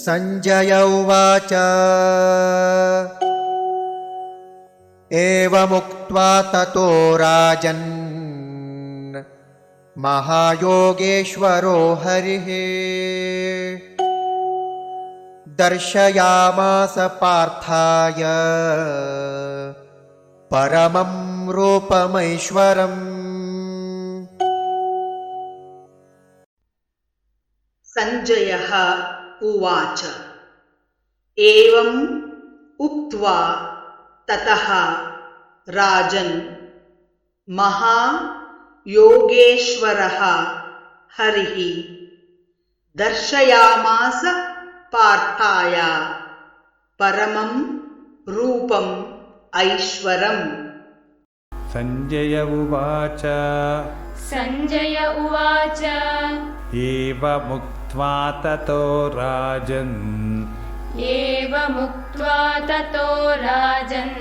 संजय उवाच एवमुक्त्वा ततो राजन् महायोगेश्वरो हरिः दर्शयामास पार्थाय परमं रूपमैश्वरम्। संजयः उवाच एवम् उक्त्वा ततः राजन् महायोगेश्वरः हरिः दर्शयामास पार्थाय परमं रूपम् ऐश्वरम्। संजय उवाच एवमुक्त्वा ततो राजन्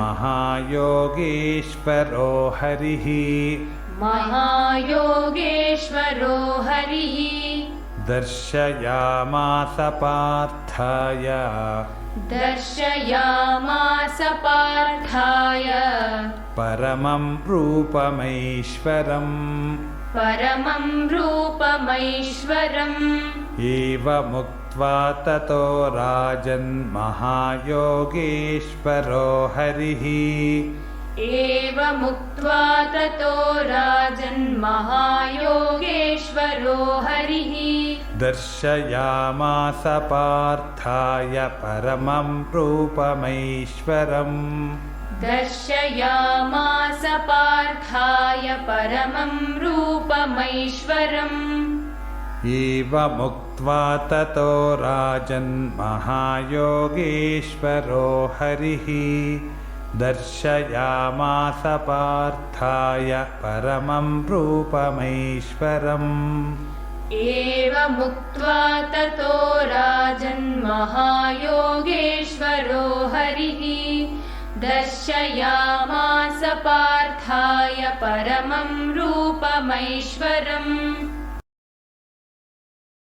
महायोगेश्वरो हरिः दर्शयामास पार्थाय परमं रूपमैश्वरम्। एवमुक्त्वा ततो राजन् महायोगेश्वरो हरिः दर्शयामास पार्थाय परमं रूपमैश्वरम्। एवमुक्त्वा ततो राजन् महायोगेश्वरो हरिः दर्शयामास पार्थाय परमं रूपमैश्वरम्। एवमुक्त्वा ततो राजन् महायोगेश्वरो हरिः दर्शयामास पार्थाय परमं रूपमैश्वरम्।